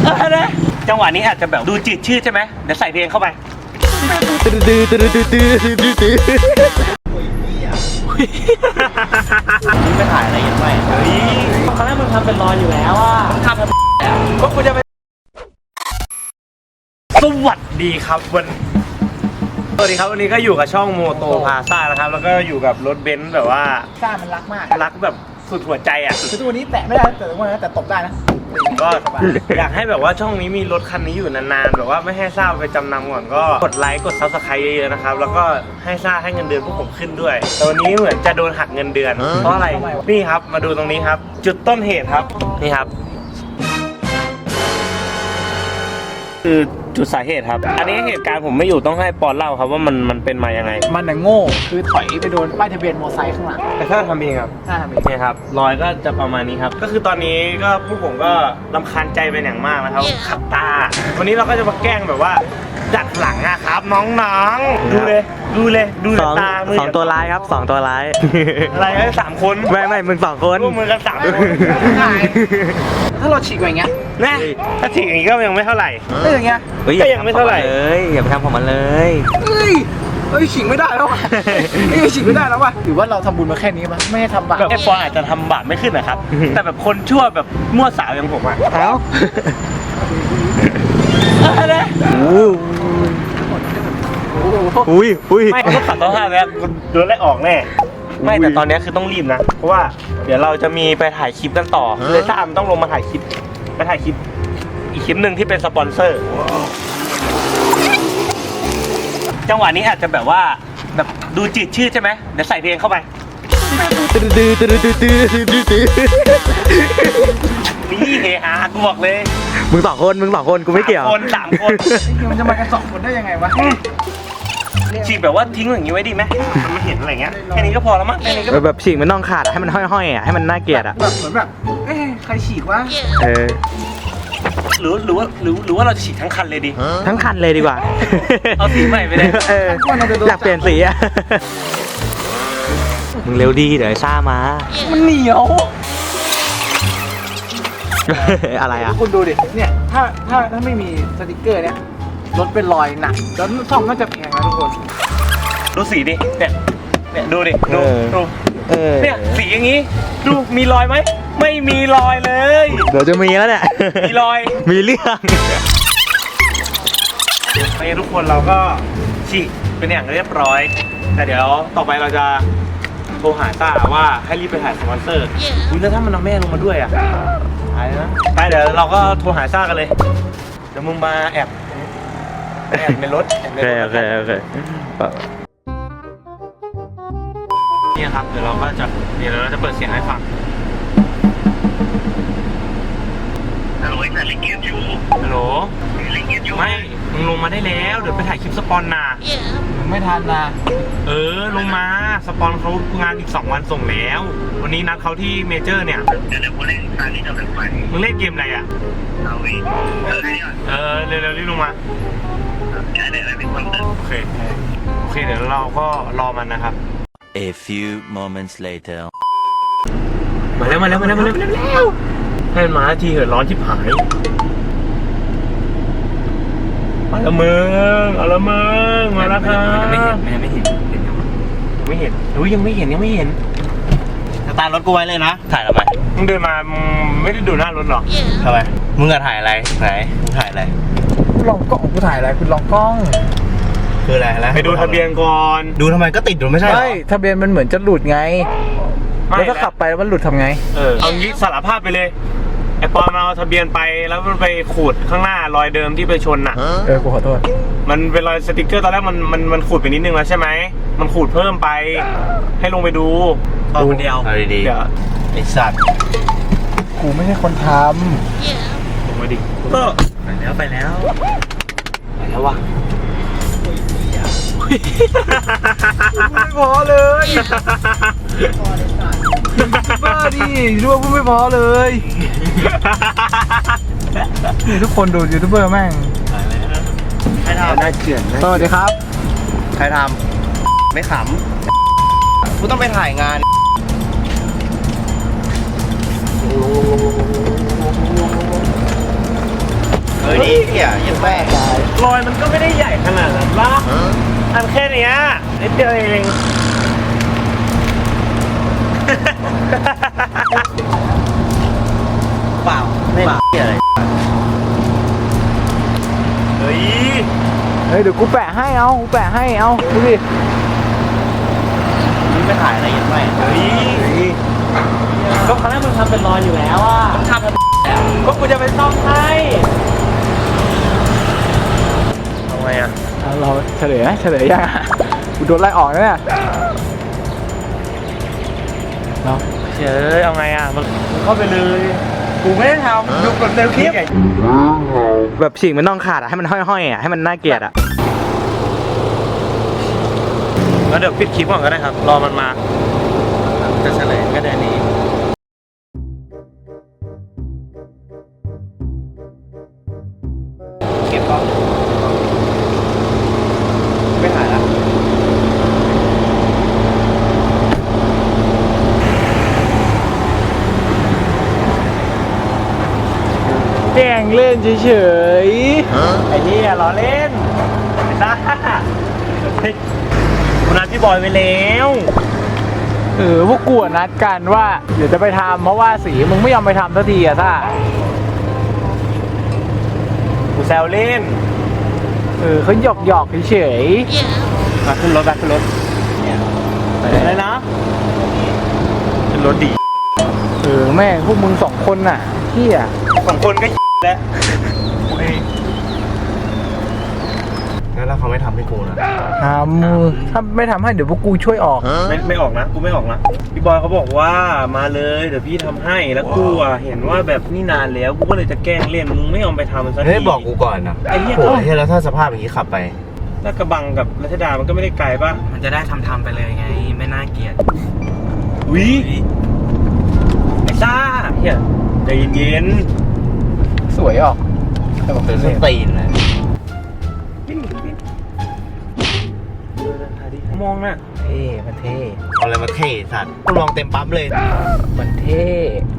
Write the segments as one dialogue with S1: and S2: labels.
S1: จังหวะนี้อาจจะแบบดูจืดชืดใช่ไหมเดี๋ยวใส่เพลงเข้าไป
S2: มึงไปถ่ายอะไรกันไปเฮ้ยครั้งแรกมึงทำเป็นรอยอยู่แล้วอ่ะทำก็กูจะไป
S1: สวัสดีครับสวัสดีครับวันนี้ก็อยู่กับช่องโมโตพาซ่านะครับแล้วก็อยู่กับรถเบนซ์แบบว่า
S2: ซ่ามันรักมาก
S1: รักแบบสุดหัวใจอ่ะ
S2: คือตัวนี้แตะไม่ได้แต่ตัวนั้นแต่ตบได้นะ
S1: ก็อยากให้แบบว่าช่องนี้มีรถคันนี้อยู่นานๆแบบว่าไม่ให้ซ่าไปจำนำก่อนก็กดไลค์กดซับสไครต์เยอะๆนะครับแล้วก็ให้ซ่าให้เงินเดือนพวกผมขึ้นด้วยแต่วันนี้เหมือนจะโดนหักเงินเดือนเพราะอะไรนี่ครับมาดูตรงนี้ครับจุดต้นเหตุครับนี่ครับคือจุดสาเหตุครับอันนี้เหตุการณ์ผมไม่อยู่ต้องให้ปอนเล่าครับว่ามันเป็นมายังไง
S2: มันน่ะโง่คือถอยไปโดนป้ายทะเบียนมอเตอร์ไซค์ข้างหลัง
S1: แต่ถ้าทำเองครับ
S2: ถ้าทำเอง
S1: เนี่ยครับรอยก็จะประมาณนี้ครับก็คือตอนนี้ก็พวกผมก็รำคาญใจเป็นอย่างมากนะครับขับตาวันนี้เราก็จะมาแกล้งแบบว่าจัดหลังอะครับน้องๆดูเลยตามือ
S3: 2 ตัวร้ายครับ2 ตัวร้าย
S1: อะไร3 คน
S3: ไม่มึง2 คน
S1: ร่วมมือกัน3 คน
S2: ถ้าเราฉีกอย่างเงี้ย
S1: นะถ้าฉีกอย่างนี้ก็ยังไม่เท่าไหร่
S2: ถ้าอย่างเงี้ย
S1: ก็ยังไม่เท่าไหร่
S3: เลยอย่าไปทำของมันเลย
S2: เฮ้ยฉีกไม่ได้แล้วว่ะฉีกไม่ได้แล้วว่ะหรือว่าเราทำบุญมาแค่นี้มั้ยไม่ให้ทำบาป
S1: ไอ้ปอนอาจจะทำบาปไม่ขึ้นนะครับแต่แบบคนชั่วแบบมั่วสาวอย่างผมอะ
S3: เอ้าอุ้ย
S1: ไม่ต้องขับต้องห้ามแล้วโดนไล่ออกแน่ไม่แต่ตอนนี้คือต้องรีบนะเพราะว่าเดี๋ยวเราจะมีไปถ่ายคลิปกันต่อเลยถ้ามันต้องลงมาถ่ายคลิปอีกคลิปหนึ่งที่เป็นสปอนเซอร์จังหวะนี้อาจจะแบบว่าแบบดูจืดชืดใช่ไหมเดี๋ยวใส่เพลงเข้าไปนี่เฮฮากูบอกเลย
S3: มึง2 คนกูไม่เกี่ยว
S1: 3 คน
S2: มันจะมากัน2 คนได้ยังไงวะ
S1: ฉีกแบบว่าทิ้งอย่างนี้ไว้ดีไหมมันเห็นอะไรเงี้ยแค่นี้ก็พอแล้วมั้งแค่นี้ก็
S3: แบบฉีกมันต้องขาดให้มันห้อยๆอ่ะให้มันน่าเกลียดอ่ะ
S2: แบบเหมือนแบบใครฉีกวะ
S1: หรือว่าเราจะฉีกทั้งคันเลยดี
S3: ทั้งคันเลยดีกว่า
S1: เอาสีใหม่ไปเลย
S3: อยากเปลี่ยนสีอ่ะมึงเร็วดีเดี๋ยวซ่ามา
S2: มันเหนียว
S3: อะไรอ่ะ
S2: คุณดูดิเนี่ยถ้าไม่มีสติกเกอร์เนี่ยรถเป็นรอยหนักแล้วซ่อมน่าจะแพงนะทุกคน
S1: ดูสีดิเนี่ยดูดิดูเนี่ยสีอย่างนี้ดูมีรอยไหมไม่มีรอยเลย
S3: เดี๋ยวจะมีแล้วเนี่ย
S1: มีรอย
S3: มีเรื่อง
S1: ไปทุกคนเราก็ฉีกเป็นอย่างเรียบร้อยแต่เดี๋ยวต่อไปเราจะโทรหาซ่าว่าให้รีบไปถ่ายสปอนเซอร์แล้วถ้ามันเอาแม่ลงมาด้วยอ่ะไปนะไปเดี๋ยวเราก็โทรหาซ่ากันเลยเดี๋ยวมึงมาแอบในรถ
S3: โอเค
S1: นี่ครับเดี๋ยวเราจะเปิดเสียงให้ฟังฮัลโหลไม่มึงลงมาได้แล้วเดี๋ยวไปถ่ายคลิปสปอนน่ะ
S2: ไม่ทันนะ
S1: ลงมาสปอนเขางานอีก2 วันส่งแล้ววันนี้นัดเขาที่เมเจอร์เนี่ยเดี๋ยวกูเล่นตอนนี้จะเป็นไฟมึงเล่นเกมอะไรอ่ะเร็วรีบลงมาโอเคเดี๋ยวเราก็รอมันนะครับ
S4: A few moments later
S1: มาแล้วให้มันมาทีเหอะร้อนชิบหายมาแล้วมึงมาแล้วครับไม่เห็นยังไม่เห็น
S2: สตาร์ทรถกูไว้เลยนะ
S1: ถ่ายทำไมมึงเดินมาไม่ได้ดูหน้ารถหรอ
S2: ทำไม
S1: มึงจะถ่ายอะไรไหนมึงถ่ายอะไร
S2: ลองกล้องกูถ่ายอะไรคุณลองกล้อง
S1: คืออะไรไปดูทะเบียนก่อน
S2: ดูทำไมก็ติดอยู่ไม่ใช่ทะเบียนมันเหมือนจะหลุดไงแล้วถ้าขับไปแล้วมันหลุดทำไง
S1: เอางี้สารภาพไปเลยไอปอนเอาทะเบียนไปแล้วมันไปขูดข้างหน้ารอยเดิมที่ไปชนน่ะ
S2: กูขอโทษ
S1: มันเป็นรอยสติ๊กเกอร์ตอนแรกมันขูดไปนิดนึงแล้วใช่ไหมมันขูดเพิ่มไปให้ลงไปดู
S2: คนเดียว
S1: ดี
S2: ไอสัตว์กูไม่ใช่คนท
S1: ำลงมาดิก็
S2: ไปแล้ว
S1: ว่ะ
S2: ไม่พอเลยบ้าดิดูว่าพูดไม่พอเลยนี่ทุกคนดูยูทูบเบอร์แม่ง
S1: ใครทำน่าเกลียด
S2: สวัสดีครับ
S1: ใครทำไม่ขำกูต้องไปถ่ายงานเฮ้ยเหี้ยยังแม่รอยมันก็ไม่ได้ใหญ่ขนาดนั้นละอันแค่เนี้ยนิดเดียวเอง
S2: เปล่าไม่เปล่าอะไร
S1: เฮ้ย
S2: เฮ้ยเดี๋ยวกูแปะให้กูแปะให้ดูดิ
S1: นี่ไม่ถ่ายอะไรยังไงเฮ้ยก็ครั้งแรกมึงทำเป็นรอยอยู่แล้วอ่ะทำก็กูจะไปซ่อมให้ทำไงอ่ะ
S2: เราเฉลยยังกูโดนไล่ออกแล้วเนี่ยเนาะ
S1: เฉยเอาไงอ่ะมึงเข้าไปเลยกูไม่ได้ทำดูกดเซลคลิป
S3: แบบฉีกมันต้องขาดอะให้มันห้อยๆอะให้มันน่าเกลียดอะ
S1: แล้วเดี๋ยวปิดคลิปก่อนก็ได้ครับรอมันมาจะเฉลยก็เดือนนี้เก็บกล้องไม่ถ่ายละ
S2: แกล้งเล่นเฉย
S1: ไอ้นี่ล้อเล่นไอ้ซ่ากูนัดพี่บอยไปแล้ว
S2: พวกกูนัดกันว่าเดี๋ยวจะไปทำเพราะว่าสีมึงไม่ยอมไปทำสักทีอะท่า
S1: กูแซวเล่น
S2: เขาหยอกเฉย
S1: มาขึ้นรถอะไรนะขึ้นรถดี
S2: แม่งพวกมึง2 คนน่ะเหี้ย
S1: สองคนก็แล้วแล้วเขาไม่ทำให้กูนะ
S2: ทำถ้าไม่ทำให้เดี๋ยวพวกกูช่วยออก
S1: ไม่ออกนะกูไม่ออกนะพี่บอยเขาบอกว่ามาเลยเดี๋ยวพี่ทำให้แล้วกูอ่ะเห็นว่าแบบนี่นานแล้วกูก็เลยจะแกล้งเล่นมึงไม่ยอมไปทำมันสักที
S5: เฮ้ยบอกกูก่อนนะ
S1: ไอ้เหี้ย
S5: โอ้ยแล้วถ้าสภาพอย่างนี้ขับไป
S1: ลาดกระบังกับรัชดามันก็ไม่ได้ไกลป่ะ
S3: มันจะได้ทำไปเลยไงไม่น่าเกลียด
S1: วิไอ้ซ่าเฮียใจเย็น
S2: สวยออกแต่บอก
S5: เป็น
S2: เล่น
S5: ตีนเลย
S1: มองน่ะ
S2: เท่มันเท่
S5: เอาอะไรมาเท่สัตว์ลองเต็มปั๊มเลย
S2: มันเท่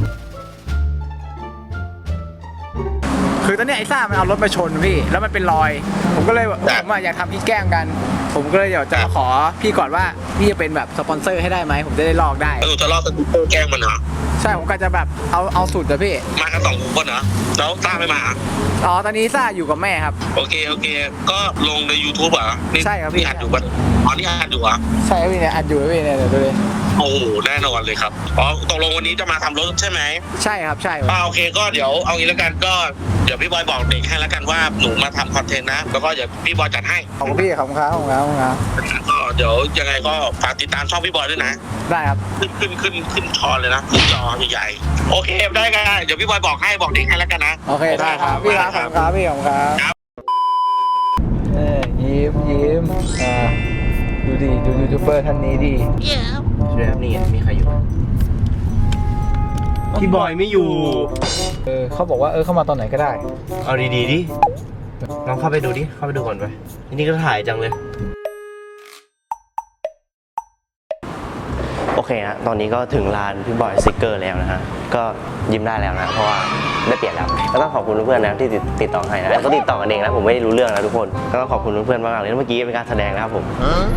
S2: คือตอนนี้ไอ้ซ่ามันเอารถมาชนพี่แล้วมันเป็นรอย ผมก็เลยผมอยากทำพี่แกล้งกัน ผมก็เลยเดี๋ยวจะมาขอพี่ก่อนว่าพี่จะเป็นแบบสปอนเซอร์ให้ได้ไหมผมจะได้ลอกได้
S6: จะลอกสกูตเตอร์แกล้งมันเหรอ
S2: ใช่ผมก็จะแบบเอาสุดอะพี่
S6: มากัน2 คนเหรอแล้วต้าไม่มาเหรอ
S2: อ๋อตอนนี้ซ่าอยู่กับแม่ครับ
S6: โอเค ก็ลงใน YouTube เหรอนี่
S2: ใช่ครับพี่
S6: นี่อัดอยู่ปะอ๋อนี่อัดอยู่เหรอ
S2: ใช่พี่เนี่ยอัดอยู่พี่เนี่ยเดี๋ยวดูเลย
S6: โอ้โหแน่นอนเลยครับอ๋อตกลงวันนี้จะมาทำรถใช่ไหม
S2: ใช่ครับใช่
S6: โอเคก็เดี๋ยวเอางี้แล้วกันก็เดี๋ยวพี่บอยบอกเด็กให้แล้วกันว่าหนูมาทำคอนเทนต์นะแล้วก็เดี๋ยวพี่บอยจัดให้
S2: ของพี่ของเขา
S6: ก็เดี๋ยวยังไงก็ฝากติดตามช่องพี่บอยด้วยนะ
S2: ได้ครับ
S6: ขึ้นชอเลยนะขึ้นจอใหญ่ๆโอเคได้กันเดี๋ยวพี่บอยบอกเด็กให้แล้วกันนะ
S2: โอเคได้ครับพี่ครับของครับพี่ของครับยิ้มดูดิดูยูทูบเบอร์ท่านนี้ดิ
S5: ช่วยครับนี่มีใครอยู่
S1: พี่บอยไม่อยู่
S2: เขาบอกว่าเข้ามาตอนไหนก็ได้
S5: เอาดีๆดิลองเข้าไปดูดิเข้าไปดูก่อนไปทีนี้ก็ถ่ายจังเลย
S3: โอเคนะตอนนี้ก็ถึงร้านพี่บอยสติกเกอร์แล้วนะฮะก็ยิ้มได้แล้วนะเพราะว่าได้เปลี่ยนแล้วก็ต้องขอบคุณเพื่อนๆนะที่ติดต่อให้นะก็ติดต่อกันเองนะผมไม่ได้รู้เรื่องนะทุกคนก็ต้องขอบคุณเพื่อนๆมากๆเลยเมื่อกี้เป็นการแสดงนะครับผม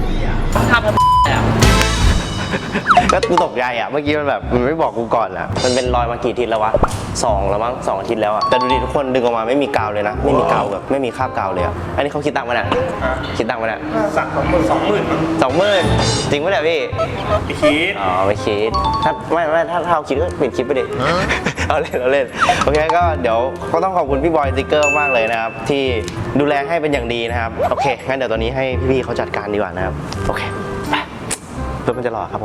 S3: ก็กูตกใจอ่ะเมื่อกี้มันแบบมันไม่บอกกูก่อนอ่ะมันเป็นรอยมากี่อาทิตย์แล้ววะ2แล้วมั้ง2 อาทิตย์แล้วอ่ะแต่ดูดิทุกคนดึงออกมาไม่มีกาวเลยนะไม่มีกาวแบบไม่มีคราบกาวเลยอ่ะอันนี้เขาคิดตังค์มาเนี่ยคิดตังค์มาเนี่ย
S1: สั่ง20,000
S3: 20,000จริงปะเนี่ยพี่
S1: พี่คิด
S3: อ๋อไม่คิดถ้าไม่ถ้าเราคิดก็ปิดคลิปไปดิ เราเล่นโอเคก็เดี๋ยวก็ต้องขอบคุณพี่บอยสติ๊กเกอร์มากเลยนะครับที่ดูแลให้เป็นอย่างดีนะครับโอเคงั้นเดี๋ยวตอนนี้ให้พี่ๆเขาจัดการดีกว่านะครับโอเคไปเพื่อมันจะรอครับผม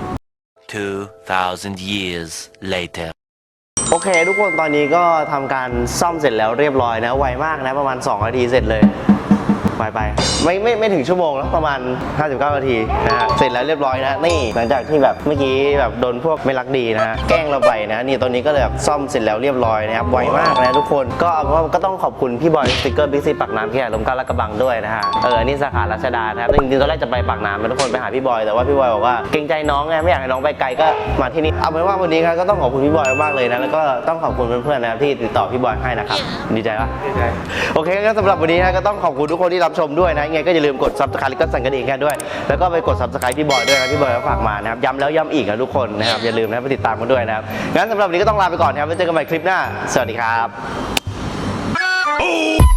S4: 2,000 years later
S3: โอเคทุกคนตอนนี้ก็ทำการซ่อมเสร็จแล้วเรียบร้อยนะไวมากนะประมาณ2 นาทีเสร็จเลยไปไม่ถึงชั่วโมงแล้วประมาณ 59 นาทีนะฮะเสร็จแล้วเรียบร้อยนะนี่หลังจากที่แบบเมื่อกี้แบบโดนพวกไม่รักดีนะฮะแกล้งเราไปนะนี่ตอนนี้ก็เลยแบบซ่อมเสร็จแล้วเรียบร้อยนะครับไวมากนะทุกคนก็เอาเป็นว่าก็ต้องขอบคุณพี่บอยสติกเกอร์บิ๊กซีปากน้ำที่ลมเกล้าและกระบังด้วยนะฮะอันนี้สาขารัชดานะครับจริงๆตอนแรกจะไปปากน้ำทุกคนไปหาพี่บอยแต่ว่าพี่บอยบอกว่าเกรงใจน้องไงไม่อยากให้น้องไปไกลก็มาที่นี่เอาเป็นว่าวันนี้ครับก็ต้องขอบคุณพี่บอยมากเลยนะแล้วก็ต้องขอบคุณเพื่อนๆนะครับที่ติดต่อพี่บอยให้นะครับดีใจปะ
S1: ดีใจ
S3: โอเคงั้นสำหรับวันนี้นะก็ต้องขอบคุณทุกคนที่รับชมด้วยนะยังไงก็อย่าลืมกด Subscribe แล้วก็สั่นกระดิ่งกันด้วยแล้วก็ไปกด Subscribe พี่บอยด้วยนะพี่บอยก็ฝากมานะครับย้ำแล้วย้ำอีกนะทุกคนนะครับอย่าลืมนะไปติดตามกันด้วยนะครับงั้นสำหรับวันนี้ก็ต้องลาไปก่อนนะครับไว้เจอกันใหม่คลิปหน้าสวัสดีครับ